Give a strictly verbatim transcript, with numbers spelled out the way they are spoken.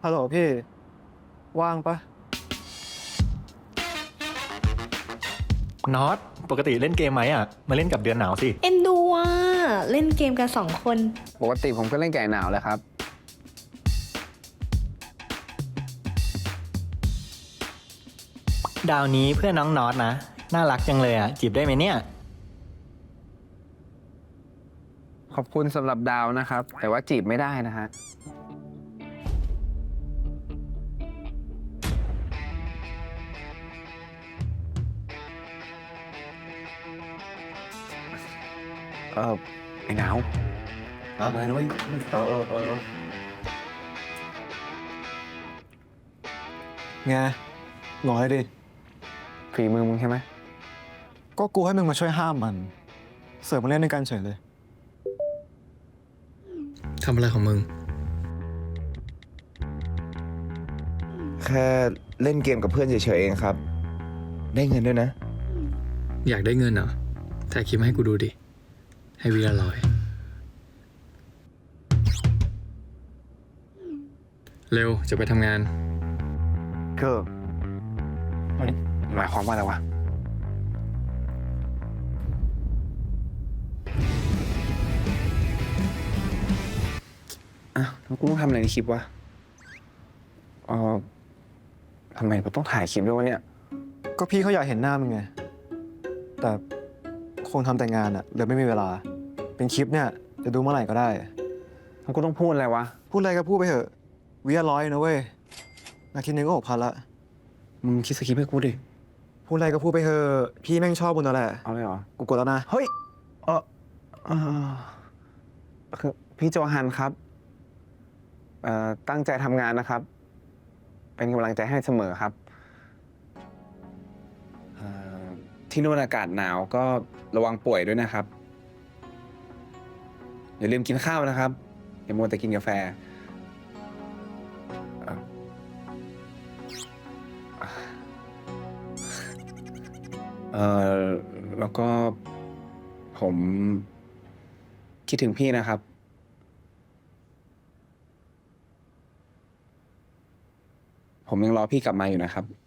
ฮัลโหลพี่ว่างปะน็อตปกติเล่นเกมไหมอ่ะมาเล่นกับเดือนหนาวสิเอ็นดูอ่ะเล่นเกมกันสองคนปกติผมก็เล่นไก่หนาวแหละครับดาวนี้เพื่อนน้องน็อตนะน่ารักจังเลยอ่ะจีบได้ไหมเนี่ยขอบคุณสำหรับดาวนะครับ แต่ว่าจีบไม่ได้นะฮะ เออไอ้หนาวอะไรนะเว้ยเออเออเออไงงอยดิฝีมือมึงใช่ไหมก็กูให้มึงมาช่วยห้ามมัน เสิร์ฟมาเล่นด้วยกันเฉยเลยทำอะไรของมึงแค่เล่นเกมกับเพื่อนเฉยๆเองครับ ได้เงินด้วยนะอยากได้เงินเหรอถ่ายคลิปมาให้กูดูดิ ให้วีละร้อย เร็ว จะไปทำงานก็หมายความว่าอะไรวะอ่ะแล้วกูต้องทำอะไรในคลิปวะเออทำไมกูต้องถ่ายคลิปด้วยวะเนี่ยก็พี่เขาอยากเห็นหน้ามึงไง แต่คงทำแต่งานอะเลยไม่มีเวลา เป็นคลิปเนี่ยจะดูเมื่อไหร่ก็ได้แล้วกูต้องพูดอะไรวะพูดอะไรก็พูดไปเถอะวิละร้อยนะเว้ยนาทีนึงก็หกพันละมึงคิดสคริปต์ให้กูดิพูดอะไรก็พูดไปเถอะพี่แม่งชอบมึงแล้วแหละเอาเลยเหรอกูกดแล้วนะเฮ้ย เออเออคือพี่โจฮันครับ เอ่อ ตั้งใจทำงานนะครับ เป็นกำลังใจให้เสมอครับเอ่อที่นู่นอากาศหนาวก็ระวังป่วยด้วยนะครับ อย่าลืมกินข้าวนะครับ อย่ามัวแต่กินกาแฟเอ่อเอ่อแล้วก็ผมคิดถึงพี่นะครับ ผมยังรอพี่กลับมาอยู่นะครับ